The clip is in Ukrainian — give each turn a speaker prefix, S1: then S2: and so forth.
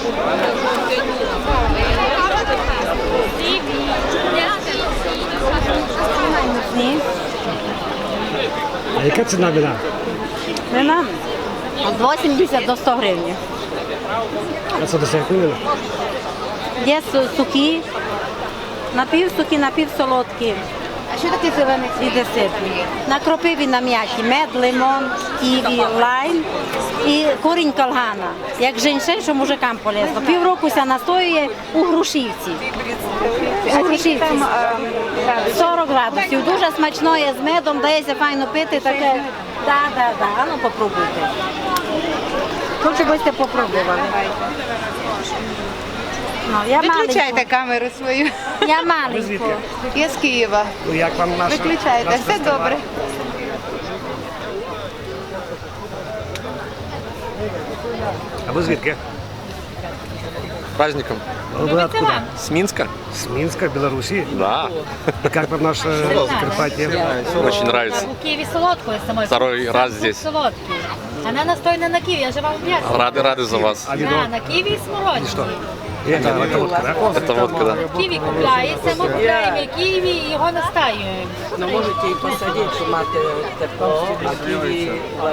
S1: А яка ціна вина?
S2: Вина від 80 до 100 гривень.
S1: А це десертні вина?
S2: Є сухі, напівсухі, напівсолодкі.
S3: А що таке зелений
S2: І десертні. На кропиві нам'яті мед, лимон, ківі, лайм і корінь калгана. Як женьшень, що мужикам полезно. Півроку ся настоює у Грушівці. У Грушівці. 40 градусів. Дуже смачно є з медом, дається файно пити. Таке. Да. А ну попробуйте. Хочу, бiste попробували. Ну, я
S3: Виключайте
S2: маленьку.
S3: камеру свою.
S2: Я маленьку.
S1: Звідки?
S3: Я з Києва.
S1: Ну, як вам наша?
S3: Виключайте,
S1: наш
S3: все
S1: фестиваль?
S3: добре.
S1: А ви звідки?
S4: Праздником.
S1: Вы откуда?
S4: С Минска?
S1: С Минска, Беларуси?
S4: Да.
S1: И как вам наше Закарпатье?
S4: Очень нравится.
S5: У Киеве солодкую самой.
S4: Второй раз здесь.
S5: Солодкий. Она настойна на киви, я же вам объяснила.
S4: Рады за вас.
S1: А
S5: Да,
S1: вино?
S5: на киви и смородине.
S1: Это водка, да?
S4: Это водка, да.
S5: Киви купляється, ми купляємо киви і його настаюємо.
S6: Ну можете і посадити, що мати тепло, а ківі